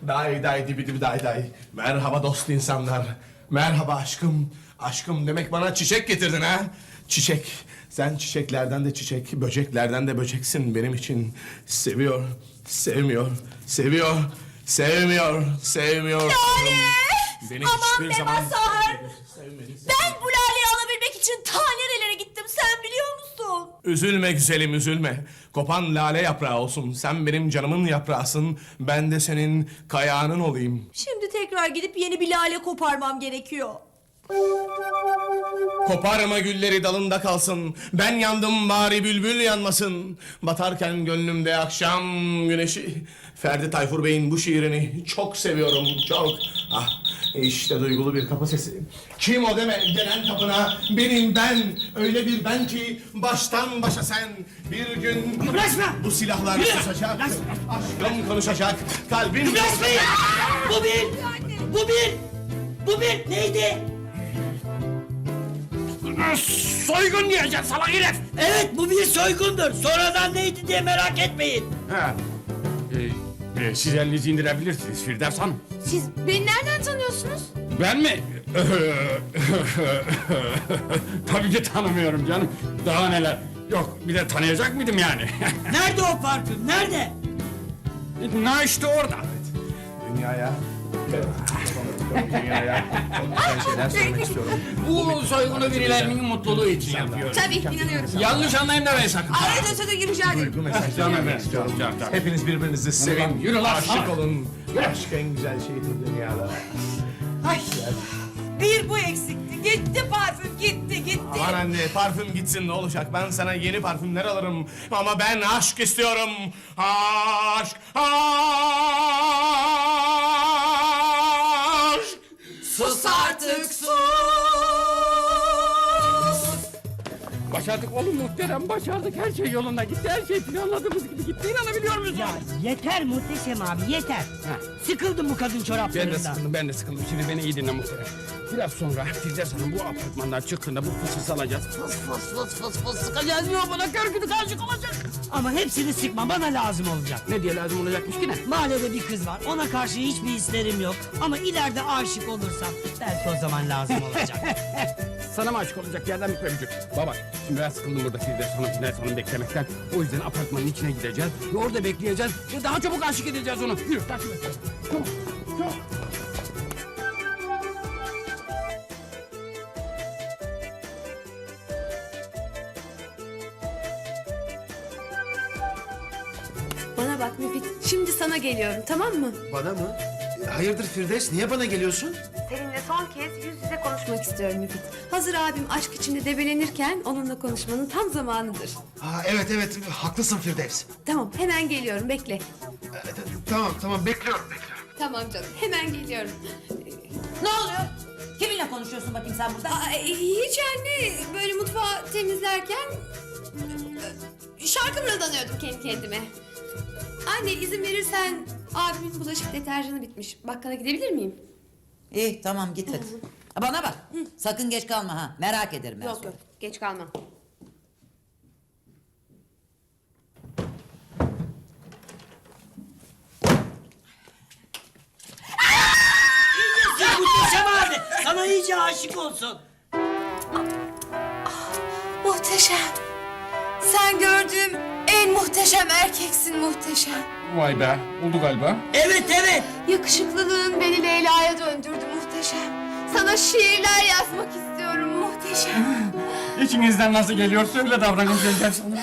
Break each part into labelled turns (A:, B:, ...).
A: Day day dibi dibi day day. Merhaba dost insanlar. Merhaba aşkım. Aşkım demek bana çiçek getirdin ha? Çiçek. Sen çiçeklerden de çiçek, böceklerden de böceksin benim için. Seviyor, sevmiyor, seviyor, sevmiyor, sevmiyor.
B: Lale!
A: Beni
B: Aman
A: hiçbir
B: be
A: zaman
B: Mazhar!
A: sevmedi.
B: Ben bu laleyi alabilmek için ta nerelere gittim sen biliyor musun?
A: Üzülme güzelim üzülme. Kopan lale yaprağı olsun. Sen benim canımın yaprağısın. Ben de senin kayağının olayım.
B: Şimdi tekrar gidip yeni bir lale koparmam gerekiyor.
A: Koparma gülleri dalında kalsın. Ben yandım bari bülbül yanmasın. Batarken gönlümde akşam güneşi. Ferdi Tayfur Bey'in bu şiirini çok seviyorum çok. Ah işte duygulu bir kapı sesi. Kim o deme gelen kapına. Benim ben. Öyle bir ben ki baştan başa sen. Bir gün bu silahlar susacak. Aşkım konuşacak. Kalbim...
C: Kıpraşmayın! Bu bir neydi?
D: Soygun diyeceksin salak herif.
C: Evet bu bir soygundur. Sonradan neydi diye merak etmeyin.
D: Ha. Siz elinizi indirebilirsiniz Firdevs Hanım.
B: Siz beni nereden tanıyorsunuz?
D: Ben mi? Tabii ki tanımıyorum canım. Daha neler. Yok bir de tanıyacak mıydım yani?
C: Nerede o parfüm? Nerede?
D: Ne işte orada.
A: Dünyaya... Dünyaya çok güzel şeyler söylemek istiyorum.
D: Bu soygunu birilerinin mutluluğu için yapıyor.
B: Tabii inanıyorum.
D: Yanlış anlayın demeyin sakın.
B: Araya dönsene rica ederim.
A: Duygu mesajları
D: Canım
A: vermek
D: benim,
A: istiyorum.
D: canım.
A: Hepiniz birbirinizi sevin.
D: Yürü lan,
A: Aşık
D: sana.
A: olun. Aşk en güzel şeydir dünyada.
B: Ay, bir bu eksikti. Gitti parfüm gitti.
A: Aman anne parfüm gitsin ne olacak? Ben sana yeni parfümler alırım. Ama ben aşk istiyorum. Aşk. Aşk.
B: Sus artık sus.
D: Başardık oğlum muhterem başardık. Her şey yolunda gitti. Her şey planladığımız gibi gitti. İnanabiliyor musun?
C: Ya yeter Muhteşem abi yeter. Sıkıldım bu kadın
D: Ben de
C: çoraplarından.
D: sıkıldım. Şimdi beni iyi dinle muhterem. Biraz sonra Firdevs Hanım bu apartmandan çıktığında bu fısı alacağız. Fıs sıkacağız. Yok bana kör gibi karışık olacak.
C: Ama hepsini sıkma bana lazım olacak.
D: Ne diye lazım olacakmış ki ne?
C: Mahallede bir kız var. Ona karşı hiçbir hislerim yok. Ama ileride aşık olursam belki o zaman lazım olacak.
D: Sana mı aşık olacak yerden bitme gücü? Baba şimdi ben sıkıldım burada Firdevs Hanım beklemekten. O yüzden apartmanın içine gideceğiz. Ve orada bekleyeceğiz. Ve daha çabuk aşık edeceğiz onu. Yürü takip et. Çabuk. Çabuk.
E: Bana bak Müfit, şimdi sana geliyorum, tamam mı?
F: Bana mı? Hayırdır Firdevs, niye bana geliyorsun?
E: Seninle son kez yüz yüze konuşmak istiyorum Müfit. Hazır abim aşk içinde debelenirken onunla konuşmanın tam zamanıdır.
F: Ha, evet, haklısın Firdevs.
E: Tamam, hemen geliyorum, bekle.
F: Tamam, bekliyorum.
E: Tamam canım, hemen geliyorum.
B: Ne oluyor? Kiminle konuşuyorsun bakayım sen burada?
E: Hiç anne, böyle mutfağı temizlerken... şarkı mırıldanıyordum kendi kendime. Anne izin verirsen abimin bulaşık deterjanı bitmiş. Bakkala gidebilir miyim?
G: İyi tamam git hadi. Bana bak. Sakın geç kalma ha. Merak ederim ben
E: Yok
G: sonra.
E: yok, geç kalmam.
C: Muhteşem abi sana iyice aşık olsun.
E: Muhteşem. Sen gördüğüm en muhteşem erkeksin muhteşem.
D: Vay be oldu galiba.
C: Evet.
E: Yakışıklılığın beni Leyla'ya döndürdü muhteşem. Sana şiirler yazmak istiyorum muhteşem.
D: İçinizden nasıl geliyor söyle davranın Firdevs Hanım.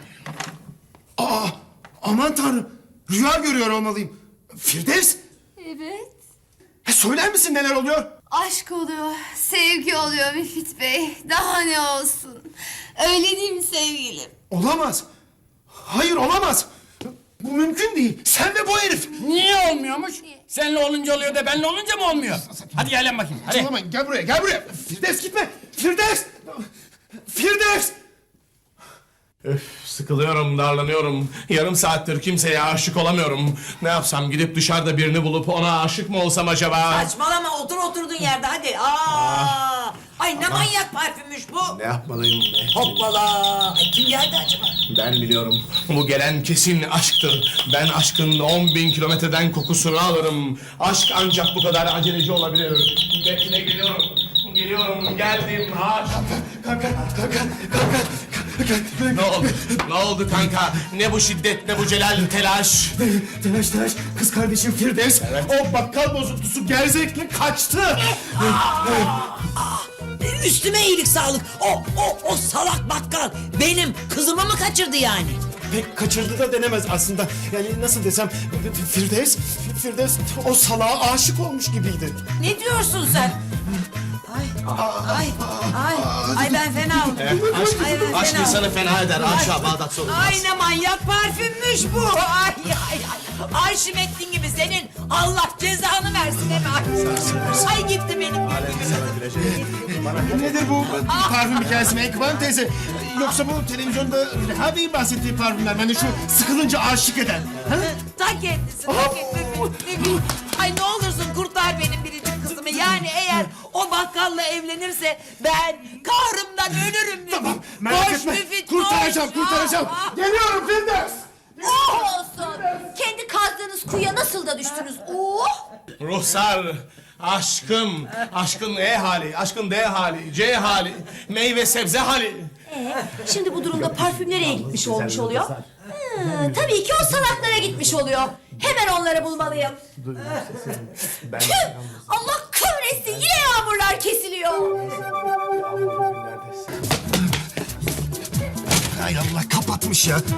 F: Aman tanrım, rüya görüyor olmalıyım. Firdevs,
E: Evet.
F: söyler misin neler oluyor?
E: Aşk oluyor, sevgi oluyor Müfit Bey. Daha ne olsun? Öyle değil mi sevgilim?
F: Olamaz. Hayır olamaz. Bu mümkün değil. Sen ve bu herif.
D: Niye olmuyormuş? Seninle olunca oluyor da benle olunca mı olmuyor? Hadi gel bakayım hadi.
F: Saçmalamayın, gel buraya. Firdevs gitme. Firdevs.
A: Öf, sıkılıyorum, darlanıyorum. Yarım saattir kimseye aşık olamıyorum. Ne yapsam gidip dışarıda birini bulup ona aşık mı olsam acaba?
G: Saçmalama otur oturduğun yerde hadi. Ay ne manyak parfümmüş bu.
A: Ne yapmalıyım be?
G: Hoppala. Ay, kim geldi acaba?
A: Ben biliyorum. Bu gelen kesin aşktır. Ben aşkın 10.000 kilometreden kokusunu alırım. Aşk ancak bu kadar aceleci olabilir. Bekle, geliyorum. Geliyorum, geldim. Aşk.
F: Kanka.
A: Ne oldu? Ne oldu kanka? Ne bu şiddet, ne bu celal, telaş?
F: Telaş. Kız kardeşim Firdevs. O bakkal bozuntusu gerzekle kaçtı.
G: Üstüme iyilik sağlık. O salak bakkal benim kızımı mı kaçırdı yani?
F: Pek kaçırdı da denemez aslında. Yani nasıl desem Firdevs o salağa aşık olmuş gibiydi.
G: Ne diyorsun sen? Ay ben fena oldum. Ay ben
A: Aşk
G: fena oldum.
A: insanı fena eder. Aşağı Bağdat sorulmaz.
G: Ay ne manyak parfümmüş bu. Ay. Arşimettin gibi senin Allah cezanı versin hemen. Ay gitti benim
F: Nedir bu parfüm hikayesi Menkıbe Hanım teyze? Yoksa bu televizyonda Reha Bey'in bahsettiği parfümler. Yani şu sıkılınca aşık eden. Ha?
G: Ta kendisi. Ay ne olursun kurtar benim biricik kızımı. Yani eğer o bakkalla evlenirse ben kahrımdan ölürüm.
F: Tamam merak
G: Koş
F: etme.
G: Müfit,
F: Kurtaracağım.
G: koş.
F: Geliyorum Firdevs.
B: Oh olsun. Kendi kazdığınız kuyuya nasıl da düştünüz? Oh!
A: Ruhsar, aşkım, aşkın E hali, aşkın D hali, C hali, meyve sebze hali.
B: Şimdi bu durumda parfüm nereye gitmiş olmuş oluyor? Tabii ki o salaklara gitmiş oluyor. Hemen onları bulmalıyım. Tüh! Allah kahretsin, yine yağmurlar kesiliyor.
F: Hay Allah kapatmış ya.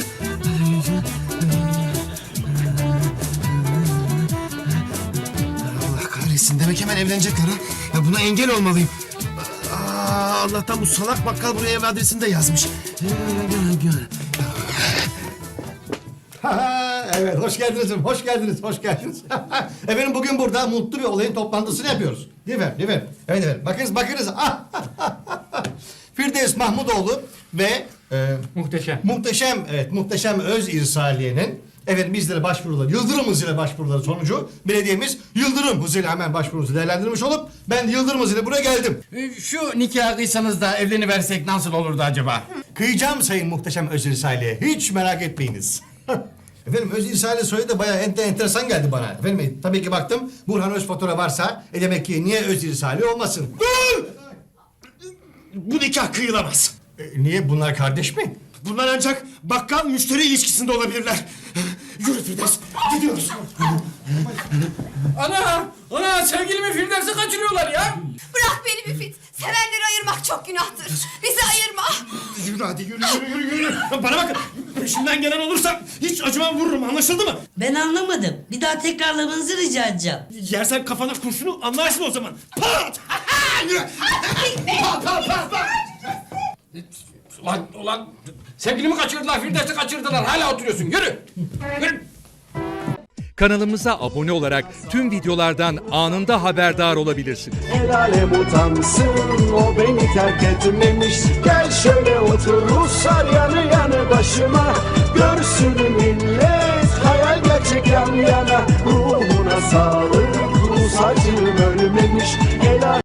F: Allah kahretsin demek hemen evlenecekler ha. Ya buna engel olmalıyım. Allah'tan bu salak bakkal buraya ev adresini de yazmış.
H: Evet, hoş geldiniz. Efendim bugün burada mutlu bir olayın toplantısını yapıyoruz. Değil mi? Evet efendim. Bakınız. Firdevs Mahmudoğlu ve muhteşem Öz İrsaliye'nin bizlere başvuruları, Yıldırım hızıyla başvuruları sonucu belediyemiz Yıldırım hızıyla hemen başvurunuzu değerlendirmiş olup ben Yıldırım hızıyla buraya geldim.
D: Şu nikahı kıysanız da evleniversek nasıl olurdu acaba?
H: Kıyacağım sayın muhteşem Öz İrsaliye. Hiç merak etmeyiniz. Efendim Öz İrsaliye soyadı da bayağı enteresan geldi bana. Efendim tabii ki baktım Burhan Özfatura varsa demek ki niye Öz İrsaliye olmasın?
F: Dur! Bu nikah kıyılamaz.
H: Niye bunlar kardeş mi?
F: Bunlar ancak bakkal müşteri ilişkisinde olabilirler. Yürü Firdevs, gidiyoruz.
D: Ana sevgilimi Firdevs'e kaçırıyorlar ya.
B: Bırak beni Müfit. Sevenleri ayırmak çok günahtır. Bizi ayırma.
F: Yürü hadi yürü. Bana bakın, peşimden gelen olursa hiç acımam vururum, anlaşıldı mı?
C: Ben anlamadım. Bir daha tekrarlamanızı rica edeceğim.
F: Yersen kafana kurşunu anlarsın o zaman. Pat! Yürü! Pat!
D: Ulan sevgilimi kaçırdılar, Firdevs'i kaçırdılar. Hala oturuyorsun. Yürü.
I: Kanalımıza abone olarak tüm videolardan anında haberdar olabilirsiniz.
J: El alem utansın, o beni terk etmemiş. Gel şöyle otur Ruslar yanı yanı başıma. Görsün millet hayal gerçek yan yana. Ruhuna sağlık, Rus acım ölmemiş. El alem